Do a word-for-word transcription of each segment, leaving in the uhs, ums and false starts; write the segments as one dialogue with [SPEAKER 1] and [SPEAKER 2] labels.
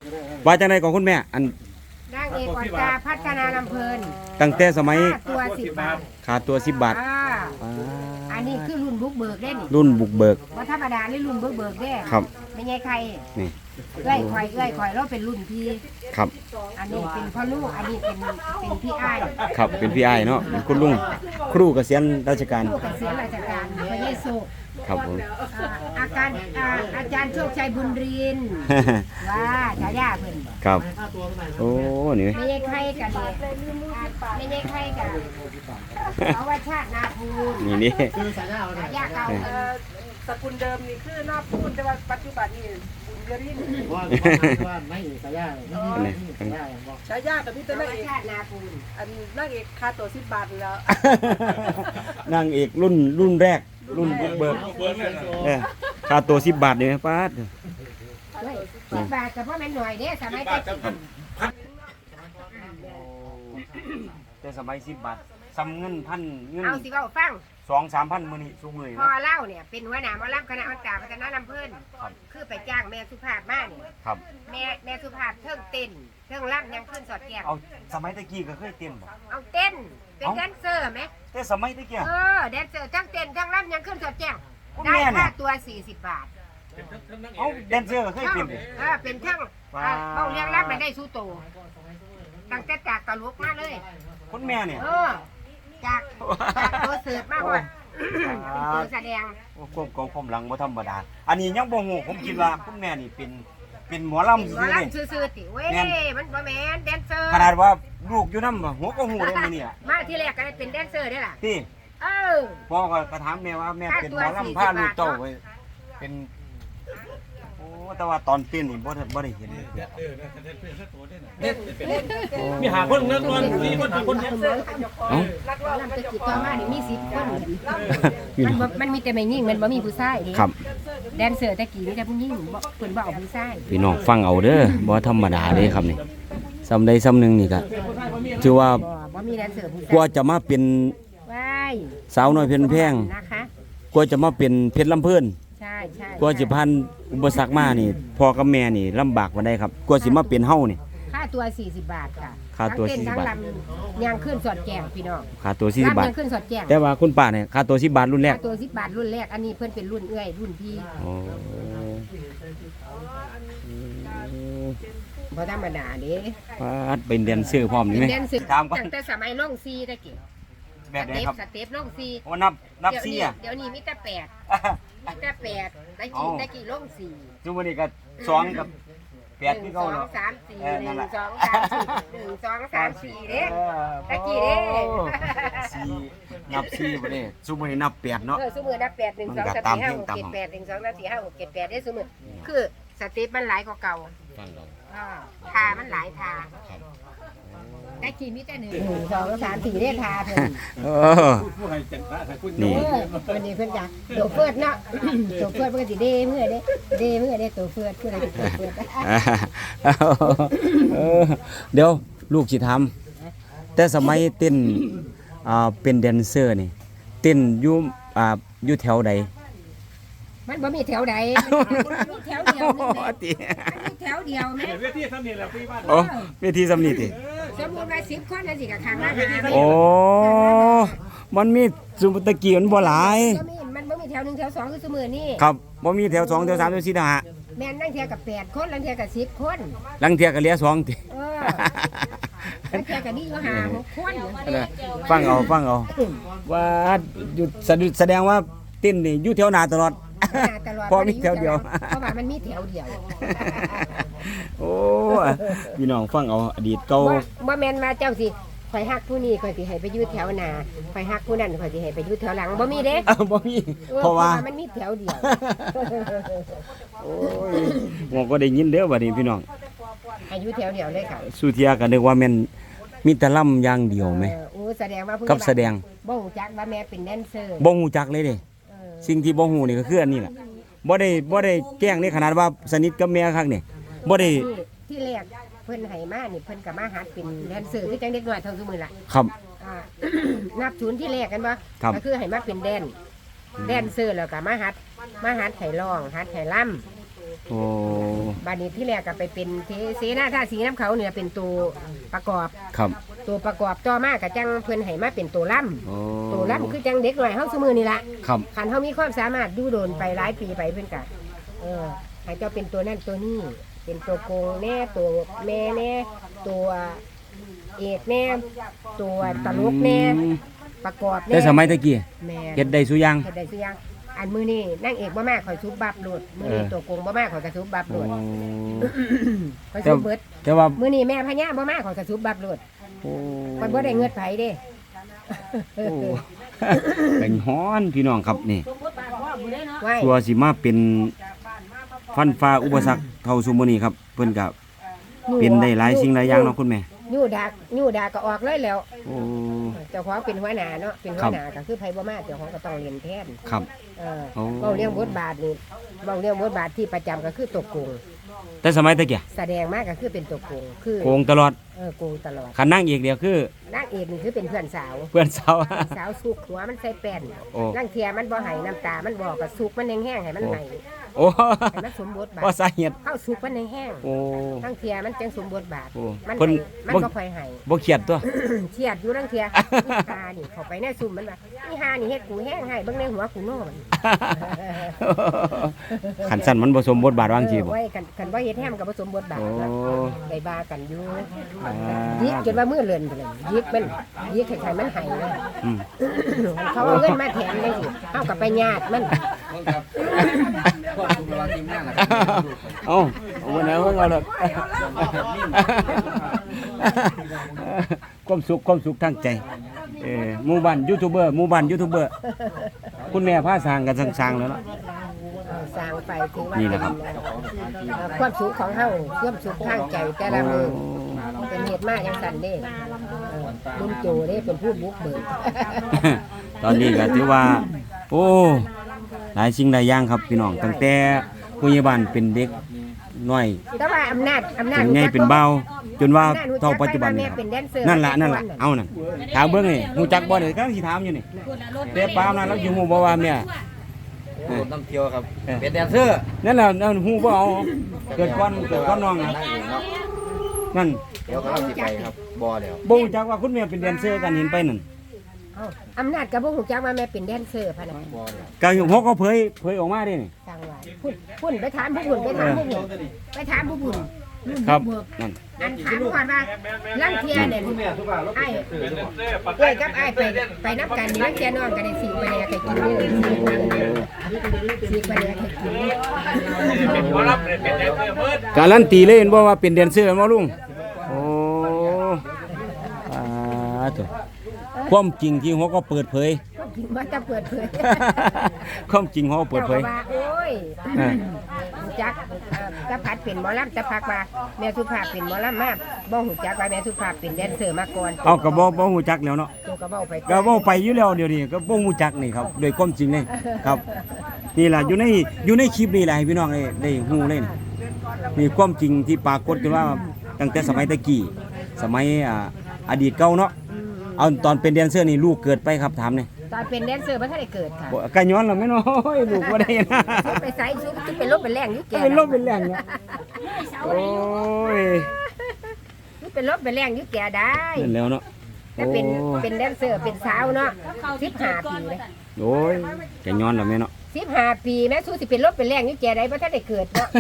[SPEAKER 1] ว่าจังไดของคุณแม่อัน
[SPEAKER 2] นางเอกอ่อนตาพัฒนาลำเพลิน
[SPEAKER 1] ตั้งแต่สมัย
[SPEAKER 2] ตัวสิบบาท
[SPEAKER 1] ค่าตัวสิบบาท
[SPEAKER 2] อันนี้คือรุ่นบุกเบิกได้นี่
[SPEAKER 1] รุ่นบุกเบิก
[SPEAKER 2] ว่าธรรมดานี่รุ่นบุกเบิกได้
[SPEAKER 1] ครับ
[SPEAKER 2] ไม่ใช่ใคร
[SPEAKER 1] นี่
[SPEAKER 2] เอ้ยคอยเอ้ยคอยเราเป็นรุ่นพี่
[SPEAKER 1] ครับ
[SPEAKER 2] อันนี้เป็นพ่อลูกอันนี้เป็นเป็นพี่อ้าย
[SPEAKER 1] ครับเป็นพี่อ้ายเนาะเป็นคุณลุงครูเกษียณราชการ
[SPEAKER 2] ครูเกษียณราชการพระเยซู
[SPEAKER 1] ครับผม
[SPEAKER 2] อาการอาจารย์โชคชัยบุญรินว่าฉายาเพิ่น
[SPEAKER 1] ครับโอ้นี่
[SPEAKER 2] ไม่ใช่ใครกันเลยไม่ใช่ใครกันเอาว่าชาตินาภูล
[SPEAKER 1] นี่นี่
[SPEAKER 2] ฉายาเก่า
[SPEAKER 3] สกุลเดิมนี่คือนาภูลแต่ว่าปัจจุบันนี่บุญยริน
[SPEAKER 4] ว่าว่าไม่ฉายา
[SPEAKER 3] ฉายากับพี่ตัวนักเอก
[SPEAKER 2] ชาตินาภูล
[SPEAKER 3] อันนักเอกค่าตัวสิบบาทแล้ว
[SPEAKER 1] นางเอกรุ่นรุ่นแรกรุ่นบุกเบิกเนี่ยค่าตัวสิบบาทเนี่ยป้า
[SPEAKER 2] สิบบาทกับพ่อแม่หน่อยเด้สมัยแต่
[SPEAKER 1] แต่สมัยสิบบาทซ้ำเงินพันเงิน
[SPEAKER 2] เอาสิว่าฟัง
[SPEAKER 1] สองสามพันมือนี่สูงเลย
[SPEAKER 2] พอเล่าเนี่ยเป็นหัวหน้าหมอลำคณะอันตาพัฒนาลำเพิ่นคือไปจ้างแม่สุภาพมาเนี่ยแม่แม่สุภาพเทิงเต้นเทิงรำยังขึ้นสอดแก้ว
[SPEAKER 1] เอาสมัยตะกี้ก็เคยเต้นบ่
[SPEAKER 2] เอาเต้นเป็นแดนเซอร์ไหม
[SPEAKER 1] แต่สมัยตะกี้
[SPEAKER 2] เออแดนเซอร์ทั้งเต้นทั้งรำยังขึ้นสอดแก้วได้ค่าตัวสี่สิบบาท
[SPEAKER 1] เอาแดนเซอร์ก็เคยเต้น
[SPEAKER 2] เออเป็นทั้งเบาเลี้ยงรำมันได้สู้โตตั้งแต่จากตลกมาเลย
[SPEAKER 1] คุณแม่เนี่ย
[SPEAKER 2] เออจากจากตัวเสิร์ฟมากกว่าตัวแสดง
[SPEAKER 1] ควบกองผมหลังบ่ธรรมดาอันนี้ยังบ่ฮู้ผมคิดว่าคุณแม่นี่เป็นเป็นหมอลำซื่
[SPEAKER 2] อๆนี่ซื่อๆติเว้ยมันบ่แม่นแดนเซอร์
[SPEAKER 1] ขนาดว่าลูกอยู่นำหัวก็ฮู้ได้มื้อนี้
[SPEAKER 2] มาที่แรกก็ได้เป็นแดนเซอร์ได้ล่ะ
[SPEAKER 1] ติ
[SPEAKER 2] เออ
[SPEAKER 1] พ่อก็ถามแม่ว่าแม่เป็นหมอลำพาลูกเต้าไว้เป็นโอ้แต่ว่าตอนเต้นนี่บ่บ่ได้เห็น
[SPEAKER 4] มีหาคนนั้นวันมีคนหาคนแดนเซอร์
[SPEAKER 1] เอ้า
[SPEAKER 2] นักร้องลำตะกี้ต่อมานี่มีสิบคนมันมันมีแต่แม่หญิงมันบ่มีผู้ชายนี่
[SPEAKER 1] ครับ
[SPEAKER 2] แดนเซอร์ตะกี้มีแต่ผู้หญิงบ่เพิ่นบ่เอาผู้ชาย
[SPEAKER 1] พี่น้องฟังเอาเด้อบ่ธรรมดาเด้ครับนี่ซ้ำใดซ้ำหนึ่งนี่ก็ถือว่า
[SPEAKER 2] บ่มีแดนเซอร์ผู้ชาย
[SPEAKER 1] กว่าจะมาเป็นสาวน้อยเพชรแพง
[SPEAKER 2] นะคะ
[SPEAKER 1] กว่าจะมาเป็นเพชรลำเพิ่น
[SPEAKER 2] ใช่ใช่
[SPEAKER 1] กว่าจะผ่านอุปสรรคมานี่พ่อกับแม่นี่ลำบากมาได้ครับกว่าสิมาเป็นเฮานี่
[SPEAKER 2] ค่าตัวสี่สิบบาทค่ะ
[SPEAKER 1] ค่าตัวสี่สิบบาท
[SPEAKER 2] ยังขึ้นสอดแจงพี่น้อง
[SPEAKER 1] ค่าตัวสี่สิบบาท
[SPEAKER 2] ยังขึ้นสอดแจง
[SPEAKER 1] แต่ว่าคุณป้าเนี่ยค่าตัวสิบบาทรุ่นแรก
[SPEAKER 2] ค่าตัวสิบบาทรุ่นแรกอันนี้เพิ่นเป็นรุ่นเอื้อยรุ่นพี่
[SPEAKER 1] โอ้
[SPEAKER 2] บ่ธรรมดาเด้
[SPEAKER 1] ป้าเป็นแดนเซอร์พร้อมนี่มั้ย
[SPEAKER 2] ถามก่อนตั้งแต่สมัยลงซีตะกี้
[SPEAKER 1] แบบไหนครับ
[SPEAKER 2] สเต็ปลงซี
[SPEAKER 1] โอ้นับนับซีอ่ะ
[SPEAKER 2] เดี๋ยวนี้มีแต่แปดมีแต่แปดตะกี้ตะกี้ลงสี่
[SPEAKER 1] ซุมื้อนี้ก็สองกับแปดคือเก่าเนาะ
[SPEAKER 2] สองสามสี่หนึ่งสองสามสี่หนึ่งสองสามสี่เด้ตะกี้เด้
[SPEAKER 1] สี่นับสี่บ่ได้ซุมื้อนี้นับแปดเนาะ
[SPEAKER 2] เออซุมื้อนับแปด หนึ่ง สอง สาม สี่ ห้า หก เจ็ด แปด หนึ่ง สอง สาม สี่ ห้า หก เจ็ด แปดได้ซุมื้อคือสเต็ปมันหลายกว่าเก่าฟังเราอ่าทามันหลายทาตะกี้มีแต่หนึ่ง สอง สาม สี่เด้ทาเพิ่น
[SPEAKER 1] เออนี่
[SPEAKER 2] วันนี้เพิ่นจ้ะตัวเฟิร์ดเนาะตัวเฟิร์ดเพิ่นสิเด้มื้อเด้เด้มื้อเด้ตัวเฟิร์ดคืออะไรตัวเฟิร์ด
[SPEAKER 1] เออเดี๋ยวลูกสิถามแต่สมัยเต้นอ่าเป็นแดนเซอร์นี่เต้นอยู่อ่าอยู่แถวใด
[SPEAKER 2] มันบ่มีแถวใดมีแถวเดียวนี่แหละมีแถวเดียวแม่
[SPEAKER 4] เวทีสำนีแหละพี่บ้าน
[SPEAKER 1] โอ้เวทีสำนีติ
[SPEAKER 2] สมมุติว่าสิบคนน่ะสิก็ข้างละห้า
[SPEAKER 1] โอ้มันมีสุตะกี้มันบ่หลาย
[SPEAKER 2] มันบ่มีแถวหนึ่งแถวสองคือซุมื้อนี้
[SPEAKER 1] ครับบ่มีแถวสองแถวสามแถวสี่แถวห้า
[SPEAKER 2] แม่นลังเที่ยก็แปดคนลังเที่ยก็สิบคน
[SPEAKER 1] ลังเที่ยก็เหลือสองติ
[SPEAKER 2] เออลังเที่ยก็นี่อยู่ห้า หกคน
[SPEAKER 1] ฟังเอาฟังเอาว่าอยู่แสดงว่าเต้นนี่อยู่แถวหน้าตลอดเพราะมีแถวเดียว
[SPEAKER 2] เพราะว่ามันมีแถวเดียว
[SPEAKER 1] โอ้พี่น้องฟังเอาอดีตเก่า
[SPEAKER 2] บ่แม่นมาเจ้าสิข่อยฮักผู้นี้ข่อยสิให้ไปอยู่แถวหน้าข่อยฮักผู้นั้นข่อยสิให้ไปอยู่แถวหลังบ่มีเด้
[SPEAKER 1] บ่มีเพราะว่า
[SPEAKER 2] มันมีแถวเดียว
[SPEAKER 1] โอ้ยผมก็ได้ยินเด้อบัดนี้พี่น้อง
[SPEAKER 2] ให้อยู่แถวเดียวเลยค่ะ
[SPEAKER 1] สุเทียก็นึกว่าแม่นมีแต่ล่ำอย่างเดียวมั้ย
[SPEAKER 2] โอ้แสดงว่าผู้
[SPEAKER 1] กับแสดง
[SPEAKER 2] บ่ฮู้จักว่าแม่เป็นแดนเซอร์
[SPEAKER 1] บ่ฮู้จักเลยเด้สิ่งที่บ่ฮู้นี่ก็คืออันนี้แหละบ่ได้บ่ได้แกล้งในขนาดว่าสนิทกับแม่คักนี่บ่ได้
[SPEAKER 2] ที่แรกเพิ่นให้มานี่เพิ่นก็มาหัดเป็นแดนเซอร์คือจังเด็กน้อยเท่าซุมื้อล่ะ
[SPEAKER 1] ครับ
[SPEAKER 2] อ่านับศูนย์ที่แรกกันบ่ก็คือให้มาเป็นแดนแดนเซอร์แล้วก็มาหัดมาหัดให้ร้องหัดให้รำ
[SPEAKER 1] โอ้
[SPEAKER 2] บาดนี้ที่แรกก็ไปเป็นเทเสนาท่าสีน้ำเขาเนี่ยเป็นตัวประกอบ
[SPEAKER 1] ครับ
[SPEAKER 2] ตัวประกอบต่อมาก็จังเพิ่นให้มาเป็นตัวล่
[SPEAKER 1] โอ้
[SPEAKER 2] ำตัวล่ำคือจังเด็กหน่อยเฮาซุมือนี่ล่ะ
[SPEAKER 1] ครับ
[SPEAKER 2] คันเฮามีความสามารถอยู่โดนไปหลายปีไปเพิ่นก็เออให้เจ้าเป็นตัวนั่นตัวนี้เป็นตัวโกงแน่ตัวแม่แน่ตัวเอกแน่ตัวตลกแน่ประกอบแน่
[SPEAKER 1] แต่สมัยตะกี้
[SPEAKER 2] แม่
[SPEAKER 1] เฮ็ดได้ซุอย่าง
[SPEAKER 2] เฮ็ดได้ซุอย่างอันมือนี่นางเอกบ่มากข่อยซุบบับโลดมือนี่
[SPEAKER 1] เออ
[SPEAKER 2] ตัวโกงบ่มากข่อยกระซุบบับโล
[SPEAKER 1] โอ้
[SPEAKER 2] ดข่อยซุบเบิด
[SPEAKER 1] แต่ว่า
[SPEAKER 2] มือนี่แม่พญาบ่มากข่อยกระซุบบับโลด
[SPEAKER 1] โอ้
[SPEAKER 2] ข่อยบ่ได้เงินไผเด้
[SPEAKER 1] โอ้ เป็นฮ้อนพี่น้องครับนี่
[SPEAKER 2] ไว้
[SPEAKER 1] ตัวสิมาเป็นฟันฟ้าอุปสรรคเท่าซุมื้อนี้ครับเพิ่นก็เป็นได้หลายสิ่งหลายอย่างเนาะคุณแม่
[SPEAKER 2] ยู่ดักยู่ดักก็ออกเลยแล้ว
[SPEAKER 1] โอ้
[SPEAKER 2] เจ้าของเป็นหัวหน้าเนาะเป็นหัวหน้าก็คือไผบ่มาเจ้าของก็ต้องเรียนแทน
[SPEAKER 1] ครับ
[SPEAKER 2] เออ
[SPEAKER 1] โอ้
[SPEAKER 2] เว้าเรื่องบทบาทนี่เว้าเรื่องบทบาทที่ประจำก็คือตกโกง
[SPEAKER 1] แต่สมัยตะกี้
[SPEAKER 2] แสดงมากก็คือเป็นตกโกงคือ
[SPEAKER 1] โกงตลอด
[SPEAKER 2] เออโกงตลอด
[SPEAKER 1] คันนั่งอีกเดียวคือ
[SPEAKER 2] นางเอกนี่คือเป็นเพื่อนสาว
[SPEAKER 1] เพื่อนสาว
[SPEAKER 2] สาวสุกหัวมันใส่แป้น
[SPEAKER 1] โอ้
[SPEAKER 2] ร่างเทียมันบ่ให้น้ำตา มันบอกกับสุกมันแห้งๆให้มันไหล
[SPEAKER 1] โอ้
[SPEAKER 2] ให้มันสมบทบาท
[SPEAKER 1] ว่าสาเหตุ
[SPEAKER 2] เข้าสุกมันแห้ง
[SPEAKER 1] โอ้
[SPEAKER 2] ร่างเทียมันจังสมบทบาท
[SPEAKER 1] โอ้
[SPEAKER 2] มัน
[SPEAKER 1] เพิ่น
[SPEAKER 2] ให้มัน
[SPEAKER 1] บ่
[SPEAKER 2] ก็ค่อยให้
[SPEAKER 1] บ่เครียดตัว
[SPEAKER 2] เชียดอยู่ร่างเทียนี่ฮานี่เข้าไปในซุ่มมันว่านี่ฮานี่เฮ็ดกูแห้งให้เบิ่งในหัวกูโน่มัน
[SPEAKER 1] ขันสั้นมันผสมบทบาทวางจีบ่
[SPEAKER 2] ไว้กันกันว่าเฮ็ดแฮมกับผสมบทบาท
[SPEAKER 1] โอ้
[SPEAKER 2] นะได้บากันอยู่
[SPEAKER 1] อ่า
[SPEAKER 2] ยิกจนว่ามือเลื่อนไปเลยยิกมันยิกให้ใครมันให้เลย
[SPEAKER 1] อืม
[SPEAKER 2] เขาเอาเงินมาแถมเลยสิเฮากับไปญาติมัน
[SPEAKER 1] เอาเอาวันไหนเพิ่งเอาเลยความสุขความสุขทางใจเออหมู่บ้านยูทูบเบอร์หมู่บ้านยูทูบเบอร์คุณแม่พาสร้างกันสร้างๆแล้วเนาะ
[SPEAKER 2] สร้างไปถือว่า
[SPEAKER 1] นี่แหละครับ
[SPEAKER 2] เอ่อความสุขของเฮาความสุขทางใจแต่ละมือเป็นเหตุมากจังซั่นเด้เออลุงโจเด้เป็นผู้บุกเบิก
[SPEAKER 1] ตอนนี้ก็ถือว่า โอ้หลายสิ่งหลายอย่างครับพี่น้องตั้งแต่ผู้ใหญ่บ้านเป็นเด็กน้อย
[SPEAKER 2] แต่ว่าอำนาจอำนาจ
[SPEAKER 1] เป็นใหญ่เป็นเบาจนว่า
[SPEAKER 2] อำจ
[SPEAKER 1] เท่าปัจจุบัน
[SPEAKER 2] แม่
[SPEAKER 1] นี่ครับ
[SPEAKER 2] เป็นแดนเซอร์
[SPEAKER 1] นั่นล่ะนั่นล่ะเอานั่นถามเบิ่งนี่ฮู้จักบ่นี่ก็สิถามอยู่นี่แต่ปามนั้นเราสิฮู้บ่ว่าแม่
[SPEAKER 5] น้ำเที่ยวครับ เป็นแดนเซอร์
[SPEAKER 1] นั่นล่ะนั่นฮู้บ่เอาเกิดก่อนเกิดก่อนน้องน่ะนั่น
[SPEAKER 5] เดี๋ยวก็เราสิไปครับบ่อเดี๋ยว
[SPEAKER 1] บ่รู้จักว่าคุณแม่เป็นแดนเซอร์กันเห็นไปนั่น
[SPEAKER 2] เอ้าอำนาจก็บ่ฮู้จักว่าแม่เป็นแดนเซอร์พะนะ
[SPEAKER 5] บ่อเดี๋ยว
[SPEAKER 1] ก็ฮกเขาเผยเผยออกมาดินี่
[SPEAKER 2] จังว่าพุ่นพุ่นไปถามผู้พุ่นไปถามผู้พุ่นไปถามผู้พุ่น
[SPEAKER 1] ครับนั่น
[SPEAKER 2] อันถามก่อนว่าลังเทียเนี่ยไอ้เอ้ยกับไอ้ไปไปนับกันนี่ลังเทียนอนกันในสี่ประเดี๋ยวใครกินนี่สี่ประเดี๋ยวใครกินนี่
[SPEAKER 1] การันตีเลยเห็นบ่ว่าเป็นแดนเซอร์บ่ลุงโอ้อ่าตัวความจริงที่ฮกก็เปิดเผย
[SPEAKER 2] ก็กินว่าจะเปิดเผย
[SPEAKER 1] ความจริงฮกเปิดเผย
[SPEAKER 2] จ้าก็ว่าโอ้ย
[SPEAKER 1] อ่า
[SPEAKER 2] จักเอ่อจะพัดเป็นหมอลำจะพักว่าแม่สุภาพเป็นหมอลำมาบ่หูจักว่าแม่สุภาพเป็นแดนเซอร์มาก่อน
[SPEAKER 1] เอาก็บ่บ่ฮู้จักแล้วเนาะ
[SPEAKER 2] ตัวก็เว้าไป
[SPEAKER 1] ก็เว้าไปอยู่แล้วเดี๋ยวนี้ก็บ่ฮู้จักนี่ครับโดยความจริงเลยครับ นี่ล่ะอยู่ในอยู่ในคลิปนี่แหละให้พี่น้องได้ได้ฮู้เลยนี่นี่ความจริงที่ปรากฏกันว่าตั้งแต่สมัยตะกี้สมัยอ่าอดีตเก่าเนาะเอาตอนเป็นแดนเซอร์นี่ลูกเกิดไปครับถามนี่
[SPEAKER 2] ตอนเป็นแดนเซอร์บ่ทันได้เกิดค่ะ
[SPEAKER 1] บ่กะย้อนแล้วแม่น้อยลูกบ่ได้นะ
[SPEAKER 2] ไปไสซุปที่เป็นลบเป็นแรงอยู่แก่
[SPEAKER 1] เป็นลมเป็นแรงเนี่ยโอ้ย
[SPEAKER 2] นี่เป็นลบเป็นแรงอยู่แก่ได้
[SPEAKER 1] นั่นแล้วเนาะ
[SPEAKER 2] แต่เป็นเป็นแดนเซอร์เป็นสาวเนาะสิบห้าปีเลย
[SPEAKER 1] โอ้ยกะย้อนแล้วแม่เนาะ
[SPEAKER 2] สิบห้าปีแม่สู้สิเป็นลบเป็นแรงอยู่แก่ได้บ่ทันได้เกิดเนาะ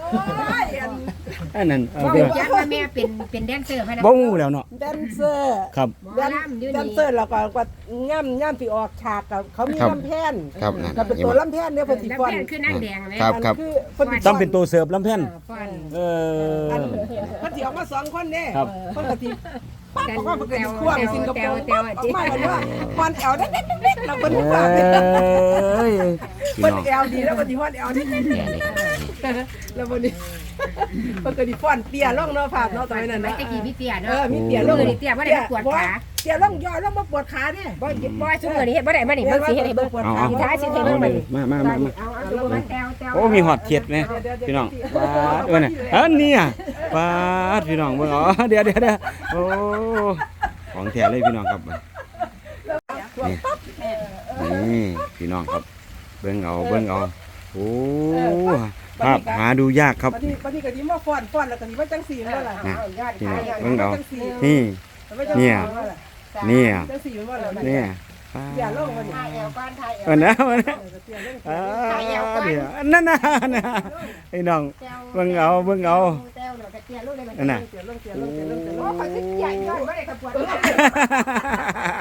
[SPEAKER 1] อันนั้นเอา
[SPEAKER 2] บ่
[SPEAKER 1] เด้อ
[SPEAKER 2] รู้จักว่าแม่เป็นเป็นแดนเซอร์พะนะ
[SPEAKER 1] บ่ฮู้แล้วเนาะ
[SPEAKER 3] แดนเซอร์
[SPEAKER 1] ครับ
[SPEAKER 2] หมอลำอยู่
[SPEAKER 3] แดน
[SPEAKER 2] นี่
[SPEAKER 3] เซอร์เราก็ก็ย่ำย่ำที่ออกฉากกับเขามี
[SPEAKER 1] ครับ
[SPEAKER 3] ลำแพน
[SPEAKER 1] ครับนั่น
[SPEAKER 3] ก็เป็นตัวลำแพนเนี่ยเพิ่นสิ
[SPEAKER 2] แล้ว
[SPEAKER 3] ฟ้อน
[SPEAKER 2] แม่คือนางแดงแม่
[SPEAKER 1] ครับครับ
[SPEAKER 3] คือเพิ่นสิ
[SPEAKER 1] ต้องเป็นตัวเสิร์ฟลำแผ่น
[SPEAKER 2] ฟ้อน
[SPEAKER 1] เออ
[SPEAKER 3] อันเพิ่นสิออกมาสองคนเด้
[SPEAKER 1] ครับ
[SPEAKER 3] เพิ่นก็สิ
[SPEAKER 2] แต่
[SPEAKER 3] บอกว่าเพิ่นก็สิควบ
[SPEAKER 2] แต่
[SPEAKER 3] สิงคโป
[SPEAKER 2] แต่
[SPEAKER 3] ร์
[SPEAKER 2] แต่ว่าจิ
[SPEAKER 3] มาเลยว่าฟ้อนแอวเด็ดๆๆเราเพิ่น
[SPEAKER 1] เอ
[SPEAKER 3] ฟ้อน้
[SPEAKER 1] ยพี่
[SPEAKER 3] เพิ่น
[SPEAKER 1] น้อง
[SPEAKER 3] แอวดีแล้วเพิ่นสิฟ้อนแอวนิดๆแล้วเพิ่นนี่เพิ่นก็สิฟ้อนเตี้ยลงเนาะภาพเนาะตอนนั้น
[SPEAKER 2] ไม่
[SPEAKER 3] นะ
[SPEAKER 2] ตะกี้พี่เตี้ย
[SPEAKER 3] เอ
[SPEAKER 2] เนาะ
[SPEAKER 3] อมีเตี้ยลง
[SPEAKER 2] มือนี่เตี้ยบ่ได้มาปวดขา
[SPEAKER 3] เตี้ยลงย่อลงมาปวดขาเด้
[SPEAKER 2] บ่บ่ซุมื้อนี้เฮ็ดบ่ได้มานี่เบิ่งสิเฮ็ดให้เบิ่ง
[SPEAKER 1] เอาเอา
[SPEAKER 2] สิท้ายสิให้เบิ่งมานี่
[SPEAKER 1] มามามามา
[SPEAKER 2] เอาเอาดูมันแต้วแต้ว
[SPEAKER 1] โอ้มีหอดเทียดไหมพี่น้องปาดเออน่ะอันนี้อ่ะปาดพี่น้องเบิ่งอ๋อเดี๋ยวเดี๋ยวเดี๋ยวโอ้ของแท้เลยพี่น้องครับนี่นี่พี่น้องครับเบิ่งเอาเบิ่งเอาโอ้ภาพหาดูยากครับ
[SPEAKER 3] บัดนี้บัดนี้ก็สิมาฟ้อนฟ้อนแล้วก็สิมาจังซี่บ่ล่ะ
[SPEAKER 1] นะ
[SPEAKER 2] ยอด
[SPEAKER 1] นี่
[SPEAKER 2] ขาย
[SPEAKER 1] นะ
[SPEAKER 2] ยอด
[SPEAKER 1] เบิ่งเอา
[SPEAKER 3] จังซี่
[SPEAKER 1] นี่ เนี่ย เนี่ย
[SPEAKER 3] จังซี่บ่ล่ะ
[SPEAKER 1] เนี่ย
[SPEAKER 3] อย่าลงมาดิ
[SPEAKER 2] ถ่ายเอวก้อนถ่ายเอว
[SPEAKER 1] วันนะวันนะ
[SPEAKER 3] เตี้ยลง
[SPEAKER 1] อ่าเดี๋ยวนั่นน่ะนะไอ้น้องเบิ่งเอาเบิ่งเอา
[SPEAKER 2] เต้าเนาะกระเทียมลูกเลยมัน
[SPEAKER 1] นั่นน่ะ
[SPEAKER 3] เตี้ยลงเตี้ยลงเตี้ยลงเตี้ยล
[SPEAKER 2] โอ้
[SPEAKER 3] ง
[SPEAKER 2] คนสิใหญ่ย้อนบ่ได้กระปวด